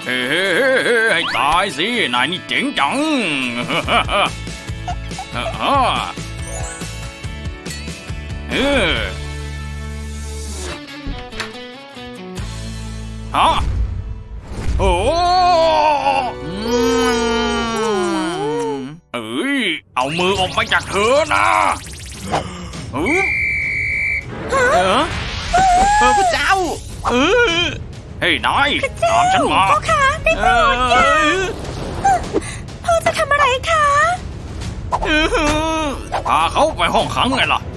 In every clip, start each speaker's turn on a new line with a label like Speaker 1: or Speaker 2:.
Speaker 1: ฮ้ให้ตายสินายนี่เจ๋งจังฮะโอ้เอามือออกไปจากเธอนะ
Speaker 2: พระเจ้า
Speaker 1: เฮ้ยนายตามฉันมา
Speaker 3: พ่อคะได้โปรดอย่าพ่อจะทำอะไรคะ
Speaker 1: พาเขาไปห้องขังไงล่ะ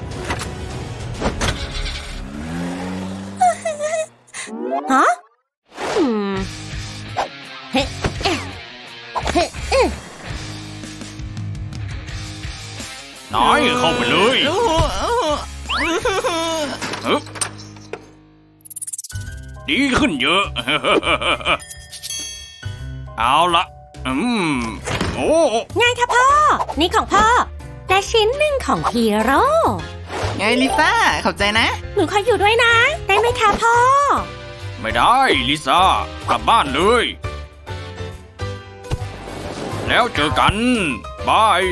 Speaker 3: ฮะ
Speaker 1: นายเข้าไปเลยดีขึ้นเยอะเอาละโอ้
Speaker 3: ไงคะพ่อนี่ของพ่อและชิ้นหนึ่งของฮีโร่
Speaker 2: ไงลิซ่าขอบใจนะ
Speaker 3: หนูขออยู่ด้วยนะได้ไหมคะพ่อ
Speaker 1: ไม่ได้ลิซ่ากลับบ้านเลยแล้วเจอกันบาย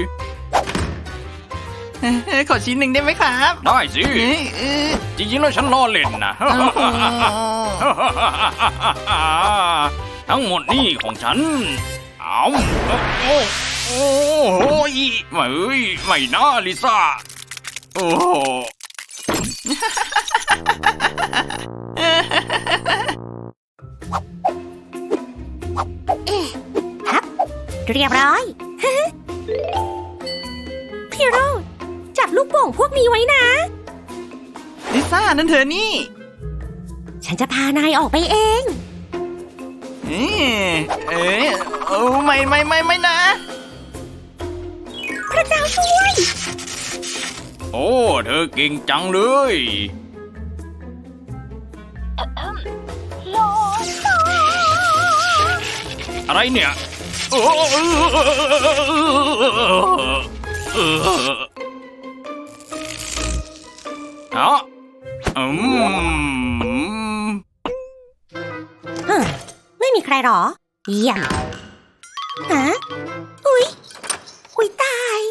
Speaker 2: ขอชิ้นหนึ่งได้ไหมครับ
Speaker 1: ได้สิจริงๆแล้วฉันล้อเล่นนะทั้งหมดนี่ของฉันเอาโอ้ยไม่นะลิซ่าโอ้
Speaker 3: ครับเรียบร้อยพี่โรดจับลูกโป่งพวกนี้ไว้นะ
Speaker 2: ลิซ่านั่นเธอนี่
Speaker 3: ฉันจะพานายออกไปเอง
Speaker 2: ไม่นะ
Speaker 3: พระเจ้าช่วย
Speaker 1: โอ้เธอเก่งจังเลย อะไรเนี่ย
Speaker 3: ไม่มีใครหรอเยี่ยมฮะอุ๊ยตาย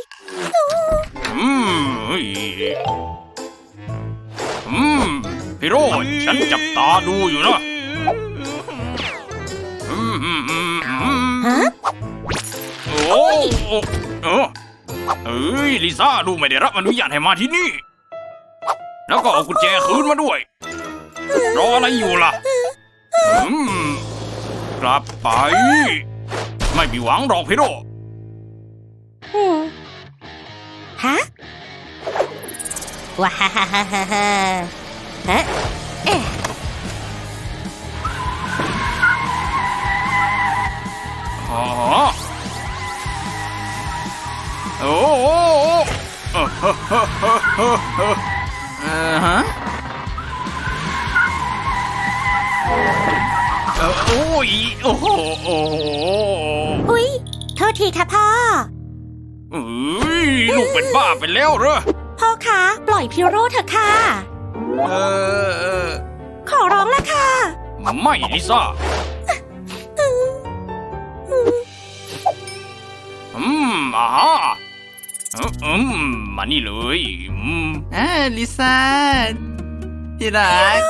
Speaker 1: พี่โรจน์ฉันจับตาดูอยู่นะ
Speaker 3: ฮะ
Speaker 1: ลิซ่าดูไม่ได้รับอนุญาตให้มาที่นี่แล้วก็เอากุญแจคืนมาด้วยรออะไรอยู่ล่ะกลับไปไม่มีหวังหรอกพี่โร
Speaker 3: ฮะว้าฮะ
Speaker 1: โอ้ยโอ้โห
Speaker 3: อุ๊ยโทษทีค่ะพ่อ
Speaker 1: ลูกเป็นบ้าไปแล้วเหรอ
Speaker 3: พ่อคะปล่อยพี่โรเถอะค่ะขอร้องละค่ะ
Speaker 1: ไม่ลิซ่ามานี่เลย
Speaker 2: ลิซ่าที่รัก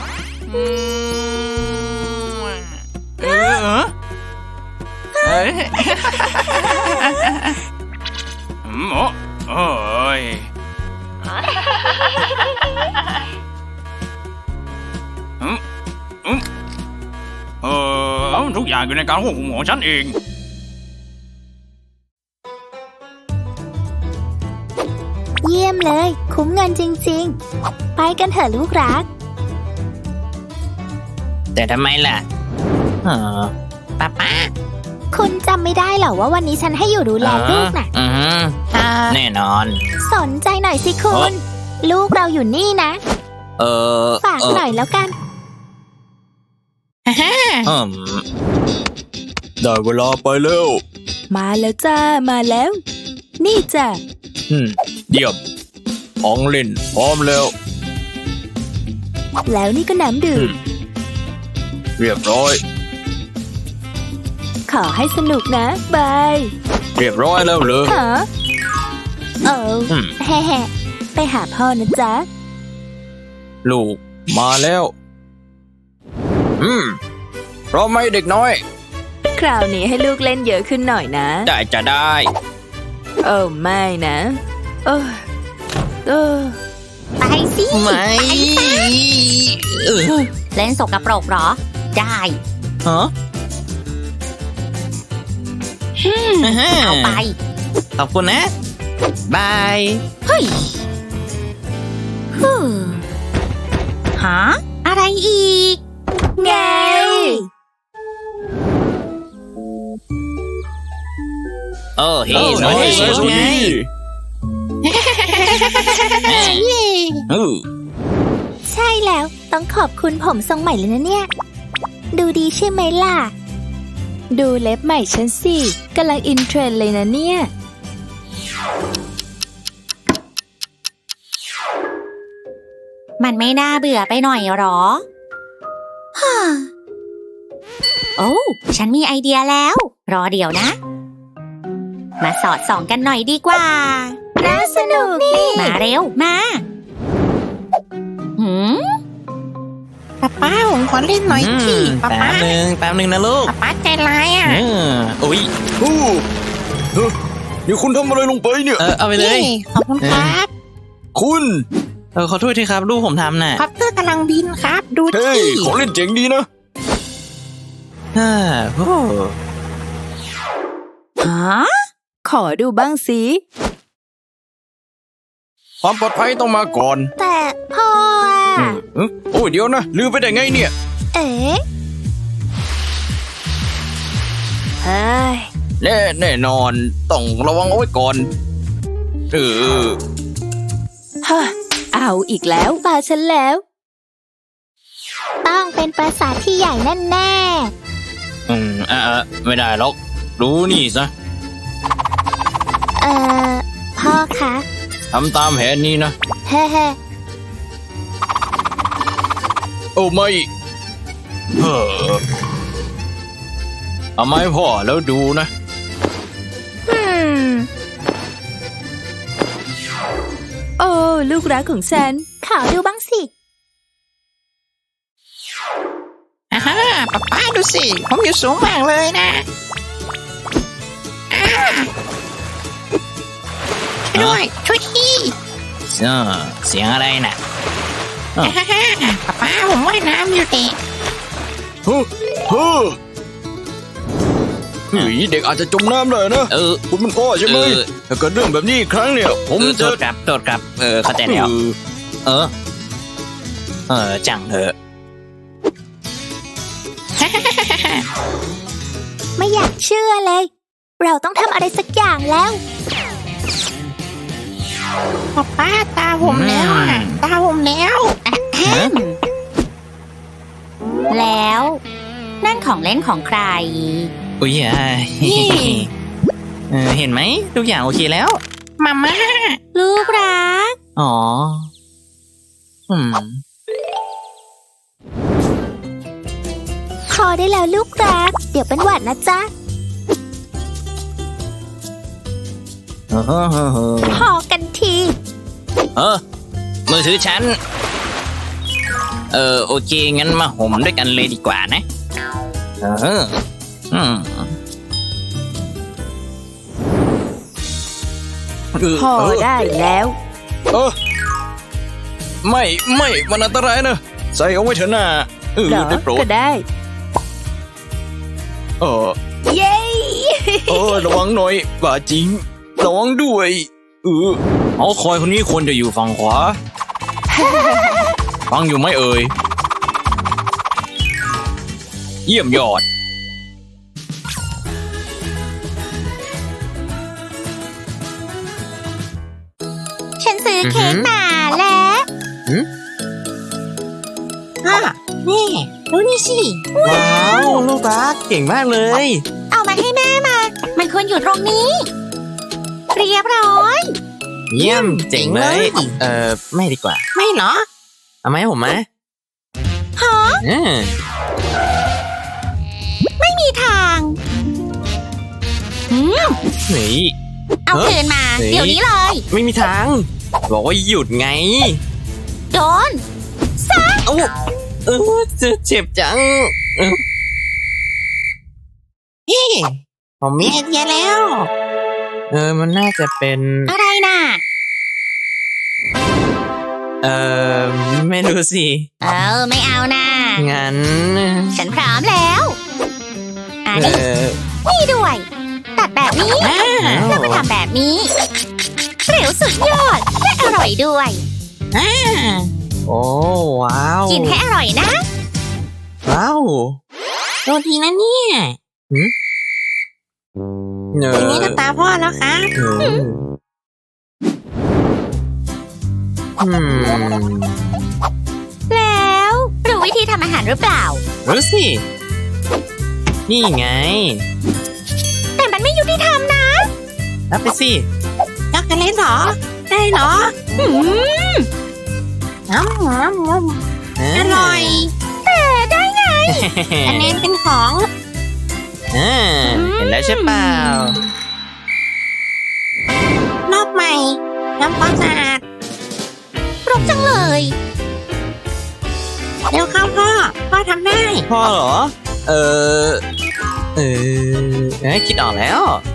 Speaker 1: ทุกอย่างอยู่ในการควบคุมของฉันเอง
Speaker 3: เยี่ยมเลยคุ้มเงินจริงๆไปกันเถอะลูกรัก
Speaker 2: แต่ทำไมล่ะป้า
Speaker 3: คุณจำไม่ได้เหรอว่าวันนี้ฉันให้อยู่ดูแลลูกน่ะ
Speaker 2: แน่นอน
Speaker 3: สนใจหน่อยสิคุณลูกเราอยู่นี่นะฝากหน่อยแล้วกัน
Speaker 4: ได้เวลาไปเร็ว
Speaker 3: มาแล้วจ้ามาแล้วนี่จ้ะ
Speaker 4: เยี่ยมของเล่นพร้อมแล้ว
Speaker 3: นี่ก็น้ำดื่ม
Speaker 4: เรียบร้อย
Speaker 5: ขอให้สนุกนะบาย
Speaker 4: เรียบร้อยแล้วเหรอ
Speaker 5: ฮะเออ
Speaker 4: อืม
Speaker 5: แฮ่ๆไปหาพ่อนะจ๊ะ
Speaker 4: ลูกมาแล้ว พร้อมไหมเด็กน้อย
Speaker 5: คราวนี้ให้ลูกเล่นเยอะขึ้นหน่อยนะ
Speaker 4: ได้จะได้
Speaker 5: เออไม่นะเออเออ
Speaker 3: ไปสิ
Speaker 2: ไม่
Speaker 3: เล่นสกปรกเหรอ ได้
Speaker 2: ฮะ
Speaker 3: เอาไป
Speaker 2: ขอบคุณนะ บาย
Speaker 3: เฮ้ยฮึ่มหาอะไรอีก
Speaker 5: ไง
Speaker 2: โอ้เฮ้
Speaker 4: โอ้
Speaker 2: ย
Speaker 4: ย
Speaker 2: น้อย
Speaker 4: สวัส
Speaker 2: ไง
Speaker 4: ดี
Speaker 5: ใช่แล้วต้องขอบคุณผมทรงใหม่เลยนะเนี่ย ดูดีใช่ไหมล่ะ ดูเล็บใหม่ฉันสิกำลังอินเทรนด์เลยนะเนี่ย
Speaker 3: มันไม่น่าเบื่อไปหน่อยหรอฮ่าโอ้ฉันมีไอเดียแล้ว รอเดี๋ยวนะ มาสอดส่องกันหน่อยดีกว่า
Speaker 5: น่าสนุกนี่
Speaker 3: มาเร็ว มาหืม
Speaker 2: ป้าผมขอเล่นหน่อยสิแป๊บนึงนะลูก
Speaker 3: ป้าใจร้ายอ่ะ
Speaker 2: อุ้ย
Speaker 4: โอ้เฮ้ยนี่คุณทำอะไรลงไปเนี่ย
Speaker 2: เอาไปเลย
Speaker 3: ขอบคุณครับ
Speaker 4: คุณ
Speaker 2: ขอโทษทีครับลูกผมทำน่ะ
Speaker 3: คอปเตอร์กำลังบินครับ ดู
Speaker 4: เฮ้ย ของเล่นเจ๋งดีนะ
Speaker 2: โอ้
Speaker 5: ฮะขอดูบ้างสิ
Speaker 4: ความปลอดภัยต้องมาก่อน
Speaker 5: แต่พ่ออะ
Speaker 4: โอ้ยเดี๋ยวนะ ลืมไปได้ไงเนี่ย
Speaker 5: เอ๊ะเฮ้ย
Speaker 4: แน่นอนต้องระวังเอาไว้ก่อน เออ
Speaker 5: ฮะเอาอีกแล้วตาฉันแล้ว ต้องเป็นปราสาทที่ใหญ่แน่
Speaker 4: ไม่ได้หรอก รู้นี่ซะ
Speaker 5: ๆพ่อคะ
Speaker 4: ทำตามแผนนี้นะ
Speaker 5: เฮ้เฮ้
Speaker 4: โอ้ไม่เฮ้อเอาไม้พ่อแล้วดูนะ
Speaker 5: โอ้ลูกรักของฉัน ขอดูบ้างสิ
Speaker 2: ป้าดูสิ ผมอยู่สูงมากเลยนะด้วยช่วยทีเสียงอะไรน่ะป้าผมว่ายน้ำอยู่เด็ก
Speaker 4: เฮ้อเฮ้อเฮ้ยเด็กอาจจะจมน้ำเลยนะ คุณเป็นพ่อใช่ไหมถ้าเกิดเรื่องแบบนี้อีกครั้งเนี่ย ผมจะ
Speaker 2: โทษครับเข้าใจแล้วจังเถอะ
Speaker 5: ไม่อยากเชื่อเลย เราต้องทำอะไรสักอย่างแล้ว
Speaker 3: ป้าตาผมแล้วอ่ะ ตาผมแล้วแล้ว นั่นของเล่นของใคร
Speaker 2: อุ้ยเห็นไหมทุกอย่างโอเคแล้ว
Speaker 3: มาม่า ลูกรัก
Speaker 2: อ๋อ
Speaker 5: พอได้แล้วลูกรัก เดี๋ยวเป็นหวัดนะจ๊ะ พอกันที
Speaker 2: มือถือฉัน โอเค งั้นมาห่มด้วยกันเลยดีกว่านะ
Speaker 5: พอได้แล้ว
Speaker 4: ไม่มันอันตรายนะ ใส่เอาไว้เถอะนะ
Speaker 5: เหรอ
Speaker 4: ได้โปรด
Speaker 5: ก็ได้ เย้
Speaker 4: ระวังหน่อยบาจริง ระวังด้วยเอาคอยคนนี้ควรจะอยู่ฝั่งขวา ฟังอยู่ไหมเอ่ย เยี่ยมยอด
Speaker 3: ฉันซื้อเค้กมาแล้วนี่ดูนี่สิ
Speaker 2: ว้าว ลูกรักเก่งมากเลย
Speaker 3: เอามาให้แม่มา มันควรอยู่ตรงนี้ เรียบร้อย
Speaker 2: เยี่ยมเจ๋งเลย ไม่ดีกว่า
Speaker 3: ไม่เหรอ
Speaker 2: เอาไหมาให้ผมไหม
Speaker 3: ฮะ
Speaker 2: อืม
Speaker 3: ไม่มีทาง
Speaker 6: เฮ้ย
Speaker 3: เอาคืนมา
Speaker 6: เฮ้ย
Speaker 3: เดี๋ยวนี้เลย
Speaker 6: ไม่มีทาง บอกว่าหยุดไง
Speaker 3: โดน
Speaker 6: เอ้าเจ็บจัง
Speaker 2: พี่ผมมีไอเดียแล้ว
Speaker 6: มันน่าจะเป็น
Speaker 3: อะไรน่ะ
Speaker 6: ไม่รู้สิ
Speaker 3: ไม่เอานะ
Speaker 6: งั้น
Speaker 3: ฉันพร้อมแล้วอันนี้นี่ด้วย ตัดแบบนี้ แล้วก็ทำแบบนี้เร็วสุดยอดและอร่อยด้วย
Speaker 6: โอ้ว้าว
Speaker 3: กินให้อร่อยนะ
Speaker 6: ว้าว
Speaker 2: โดนทีนะเนี่ย อย่างนี้ก็ตาพ่อแล้วครับ
Speaker 3: แล้วรู้วิธีทำอาหารหรือเปล่า
Speaker 6: รู้สิ นี่ไง
Speaker 3: แต่มันไม่ยุติธรรมนะ
Speaker 6: รับไปสิ
Speaker 2: ช็อกโกแลตเหรอ ได้เหรอน้ำอร่อยคะแนนเป็นของ
Speaker 6: เห็นแล้วใช่เปล่าร
Speaker 2: อบใหม่ทำความสะอาด
Speaker 3: รกจังเลย
Speaker 2: เร็วเข้าพ่อทำได้
Speaker 6: พ่อเหรอ คิดออกแล้ว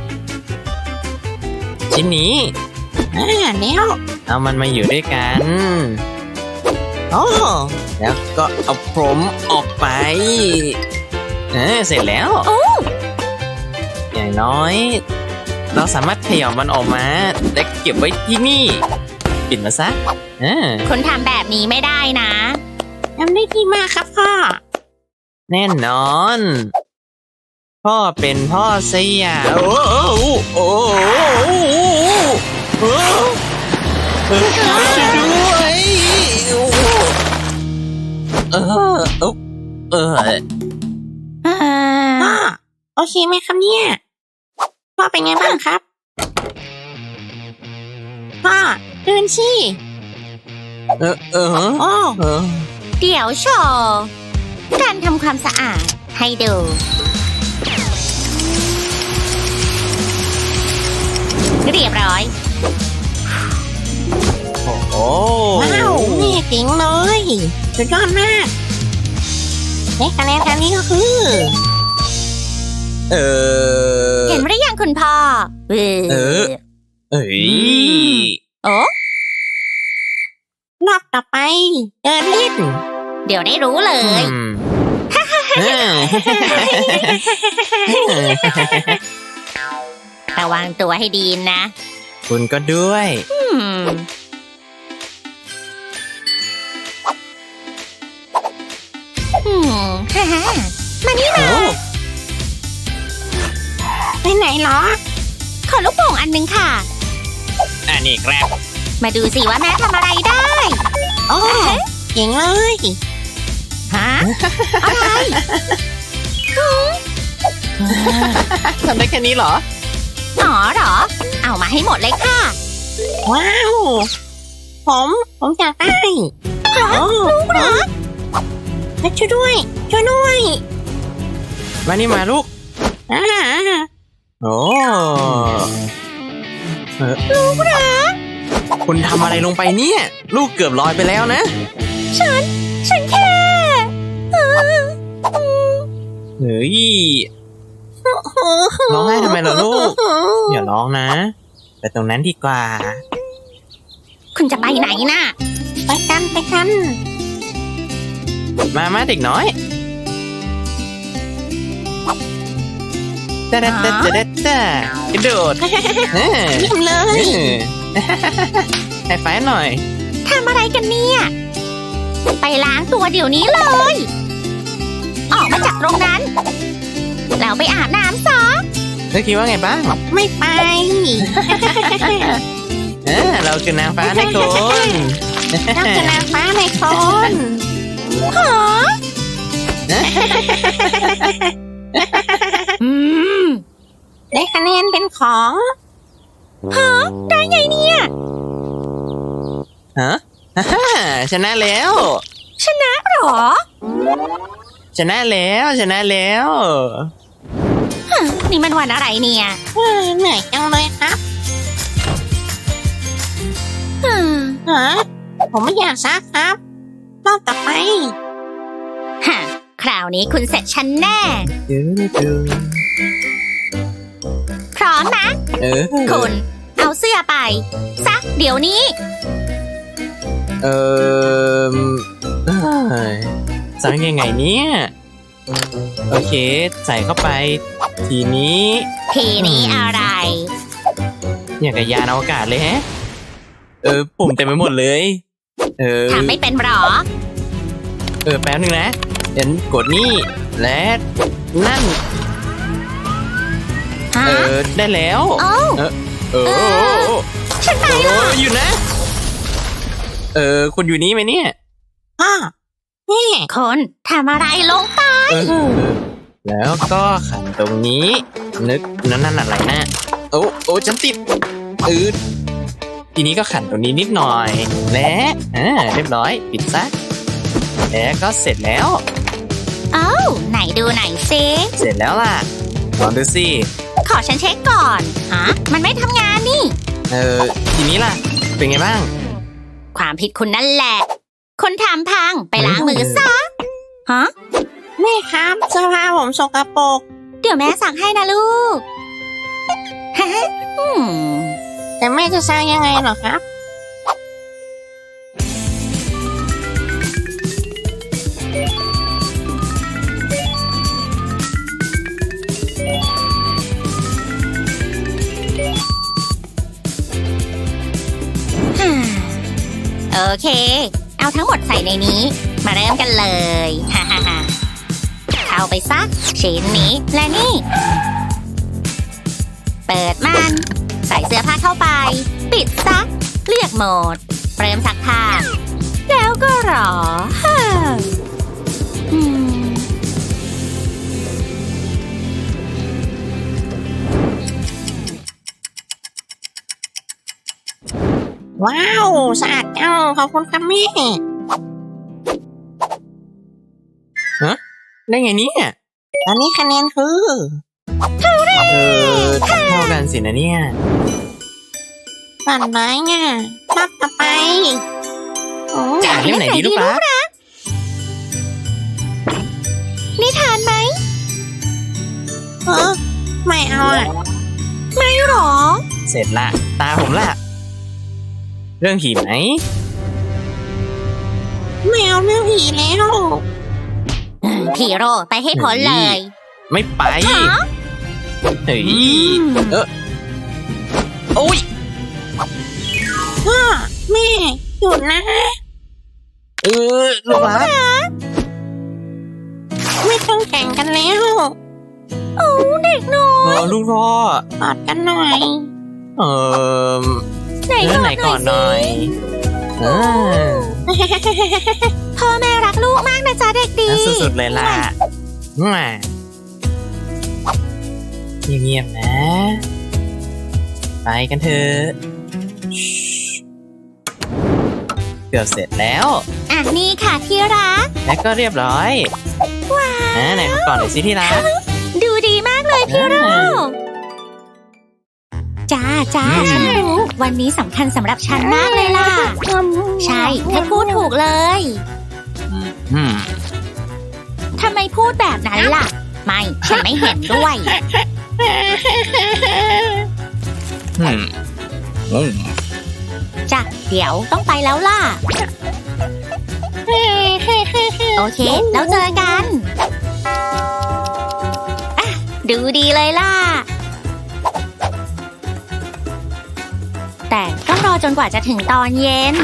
Speaker 6: ชิ้นนี้
Speaker 2: แล้ว
Speaker 6: เอามันมาอยู่ด้วยกันโอ้แล้วก็เอาพรมออกไป เสร็จแล้ว อย่างน้อย เราสามารถขยับมันออกมา และเก็บไว้ที่นี่ ปิดมาซะ
Speaker 3: คุณทำแบบนี้ไม่ได้นะ
Speaker 2: ทำได้ดีมากครับพ่อ
Speaker 6: แน่นอน พ่อเป็นพ่อสยามโอ้โอ้ช่วยด้วย
Speaker 2: พ่อโอเคไหมครับเนี่ย พ่อเป็นไงบ้างครับ พ่อตื่นสิโอ้
Speaker 3: เดี๋ยวโชว์การทำความสะอาดให้ดู เรียบร้อย
Speaker 6: โอ้
Speaker 2: ว้าวนี่เจ๋งเลยสุดยอดมากและคะแนนการนี้ก็คือ
Speaker 3: เห็นหรือยังคุณพ่อ
Speaker 6: เอ้ย
Speaker 3: โอ้
Speaker 2: รอบต่อไปเดินเล่น
Speaker 3: เดี๋ยวได้รู้เลย ระวังตัวให้ดีนะ
Speaker 6: คุณก็ด้วย
Speaker 3: ฮ่าฮ่ามานี่มา
Speaker 2: ไปไหนเหรอ
Speaker 3: ขอลูกโป่งอันหนึงค่ะ
Speaker 6: อันนี้ครับ
Speaker 3: มาดูสิว่าแม่ทำอะไรได้
Speaker 2: โอ้เจ๋งเลย
Speaker 3: ฮะ อะไร
Speaker 6: ทำได้แค่นี้เหรอ
Speaker 3: อ๋อเหรอ เอามาให้หมดเลยค่ะ
Speaker 2: ว้าวผมอยากได้ลูกเหรอช่วยด้วย
Speaker 6: มานี่มาลูก โอ้ลูกรักคุณทำอะไรลงไปเนี่ย ลูกเกือบลอยไปแล้วนะ
Speaker 3: ฉันแค่
Speaker 6: เฮ้ย ร้องไห้ทำไมล่ะลูก อย่าร้องนะ ไปตรงนั้นดีกว่า
Speaker 3: คุณจะไปไหนน่ะ
Speaker 2: ไปกัน
Speaker 6: มาเด็กน้อยกระโดด
Speaker 2: เยี่ยมเลย
Speaker 6: ให้ไฟหน่อย
Speaker 3: ทำอะไรกันเนี่ย ไปล้างตัวเดี๋ยวนี้เลย ออกมาจากตรงนั้น แล้วไปอาบน้ำซะ
Speaker 6: เธอคิดว่าไงบ้าง
Speaker 2: ไม่ไป
Speaker 6: เราคือนางฟ้าในโคน
Speaker 2: นักชนะฟ้าในคน ได้คะแนนเป็นของ
Speaker 3: ได้ไงเนี่ย
Speaker 6: ฮะชนะแล้ว
Speaker 3: ชนะเหรอ
Speaker 6: ชนะแล้ว
Speaker 3: ฮนี่มันวันอะไรเนี่ย
Speaker 2: เหนื่อยจังเลยครับ
Speaker 3: อืม
Speaker 2: ฮะผมไม่อยากซักครับรอบต่อไป
Speaker 3: ฮะคราวนี้คุณเสร็จฉันแน่ พร้อมนะ คุณ เอาเสื้อไปซักเดี๋ยวนี้
Speaker 6: เอ้ยสั่งยังไงเนี่ย โอเค ใส่เข้าไป ทีนี้
Speaker 3: ทีนี้อะไร
Speaker 6: อย่างกับยานอวกาศเลยแฮะ ปุ่มเต็มไปหมดเลย
Speaker 3: ทำไม่เป็นหรอ
Speaker 6: แป๊บนึงนะเดี๋ยวกดนี่ และนั่น
Speaker 3: ฮะ
Speaker 6: ได้แล้ว
Speaker 3: โอ้ ฉันไปหรอ
Speaker 6: อยู่นะ คุณอยู่นี่ไหมเนี่ย
Speaker 2: พ่อแม่
Speaker 3: คนทำอะไรลงไป
Speaker 6: แล้วก็ขันตรงนี้ นึกนั่นอะไรนะโอ้ฉันติดทีนี้ก็ขันตรงนี้นิดหน่อย และเรียบร้อย ปิดซะแล้วก็เสร็จแล้ว
Speaker 3: เอ้าไหนดูไหนซิ
Speaker 6: เสร็จแล้วล่ะลองดูสิ
Speaker 3: ขอฉันเช็คก่อนฮะมันไม่ทำงานนี่
Speaker 6: ทีนี้ล่ะ เป็นไงบ้าง
Speaker 3: ความผิดคุณนั่นแหละ คนทำพังไปล้างมือซะฮะ
Speaker 2: แม่ครับเสื้อผ้าผมสกปรก
Speaker 3: เดี๋ยวแม่สั่งให้นะลูก ฮะ
Speaker 2: แต่แม่จะซักยังไงเหรอครับ
Speaker 3: โอเค เอาทั้งหมดใส่ในนี้ มาเริ่มกันเลย ฮ่าฮ่าฮ่าเข้าไปซักชิ้นนี้และนี่ เปิดมัน ใส่เสื้อผ้าเข้าไป ปิดซัก เลือกโหมด เริ่มซักผ้า แล้วก็รอฮ่าอืม
Speaker 2: ว้าวสะอาดจังขอบคุณครับแม่
Speaker 6: ได้ไงเนี่ย
Speaker 2: ตอนนี้คะแนนคือ
Speaker 6: เท่ากันสินะเนี่ย
Speaker 2: ฝันร้ายไงรอบต่อไปโอ้
Speaker 6: จ่ายเล่มไหนดีลูกรัก
Speaker 3: นิทานไหม
Speaker 2: ไม่เอาอ่ะ
Speaker 3: ไม่หรอ
Speaker 6: เสร็จละ ตาผมละ เรื่องผีไหม
Speaker 2: ไม่เอาเรื่องผีแล้ว
Speaker 3: พีโร่ไปให้พ้นเลย
Speaker 6: ไม่ไป
Speaker 3: ฮะ
Speaker 6: เฮ้ยโอ้ย
Speaker 2: พ่อแม่หยุดนะ
Speaker 6: ลูกรัก
Speaker 2: ไม่ต้องแข่งกันแล้ว
Speaker 3: โอ้เด็กน้อย
Speaker 6: ลูกรอก
Speaker 2: อดกันหน่อย
Speaker 3: ไหน
Speaker 6: ไหน
Speaker 3: ก่
Speaker 6: ก่
Speaker 3: อ
Speaker 6: อน น
Speaker 3: ห
Speaker 6: ห
Speaker 3: น่
Speaker 6: น่
Speaker 3: อ
Speaker 6: อย ย
Speaker 3: พ่อแม่รักลูกมากนะจ๊ะเด็กดี
Speaker 6: สุดๆเลยล่ะเงียบๆนะ ไปกันเถอะเกือบเสร็จแล้ว
Speaker 3: อ่ะนี่ค่ะที่รัก
Speaker 6: และก็เรียบร้อย
Speaker 3: ว้าว
Speaker 6: ไหนก่อนหน่อยสิที่รัก
Speaker 3: ดูดีมากเลยพี่โร่จ้าฉันรู้ วันนี้สำคัญสำหรับฉันมากเลยล่ะ ใช่เธอพูดถูกเลย ทำไมพูดแบบนั้นล่ะ ไม่ ฉันไม่เห็นด้วย จ้ะ เดี๋ยวต้องไปแล้วล่ะ โอเค แล้วเจอกันอ่ะดูดีเลยล่ะ แต่ต้องรอจนกว่าจะถึงตอนเย็น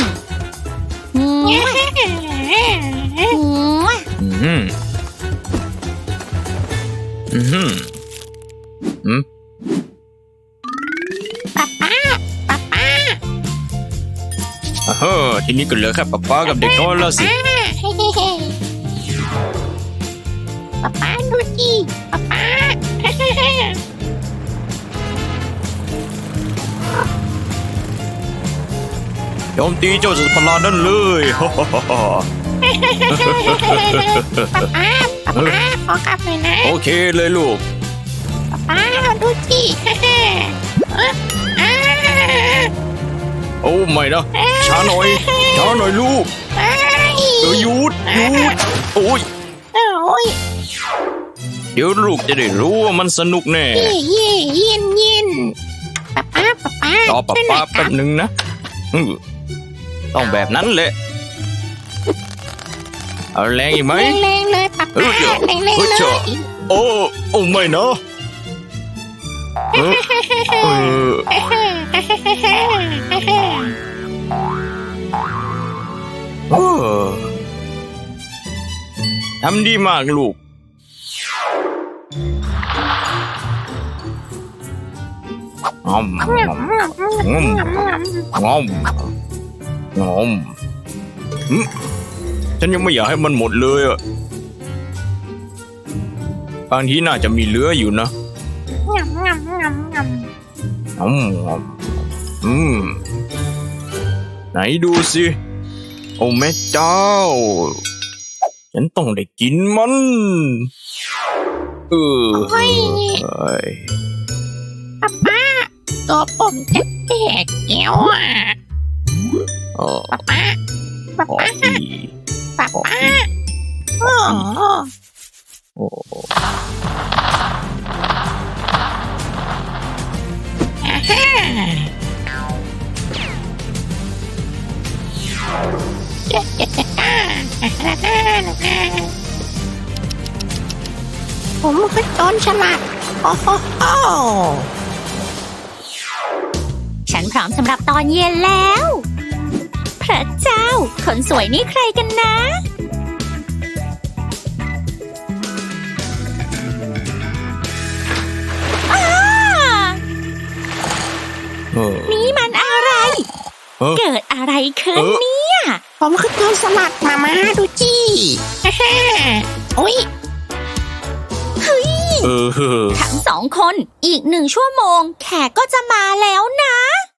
Speaker 4: ทีนี้ก็เหลือแค่ป๊ากับเด็กน้อยแล้วสิ
Speaker 2: ป๊าดูดิป๊า
Speaker 4: โจมตีเจ้าสัตว์ประหลาดนั่นเลย
Speaker 2: ป๊าขอกลับหน่อยนะ
Speaker 4: โอเคเลยลูก
Speaker 2: ป๊าป้าดูจีฮ่า
Speaker 4: โอ้ไม่นะช้าหน่อยลูกหยุดโอ้ย
Speaker 2: โอ้ย
Speaker 4: เดี๋ยวลูกจะได้รู้ว่ามันสนุกแน่
Speaker 2: เย็นป้าร
Speaker 4: อป้าแป๊บหนึ่งนะต้องแบบนั้นแหละเอาแรงอีกไหม
Speaker 2: แรงเลยป้า
Speaker 4: เออเดี๋ยว
Speaker 2: แรง
Speaker 4: เออ
Speaker 2: เล
Speaker 4: เจ้า
Speaker 2: ย
Speaker 4: โอ้ไม่นะเออทำดีมากลูกงอมฉันยังไม่อยากให้มันหมดเลยอ่ะบางทีน่าจะมีเหลืออยู่นะไหนดูสิ โอ้แม่เจ้า ฉันต้องได้กินมันเฮ้ย
Speaker 2: ป้าตัวผมจะแตกแล้วอ่ะ
Speaker 4: อ๋อ
Speaker 2: ป้า
Speaker 4: ขออี
Speaker 2: อ๋อ
Speaker 4: โอ้
Speaker 2: ผมคือโจรฉลาดโอ้โห
Speaker 3: ฉันพร้อมสำหรับตอนเย็นแล้ว พระเจ้า คนสวยนี่ใครกันนะ อ้า นี่มันอะไร เกิดอะไรขึ้นเนี่ย
Speaker 2: ผมคือโจรสลัดมาดูจีโอ้ย
Speaker 3: ทั้งสองคนอีก1 ชั่วโมงแขกก็จะมาแล้วนะ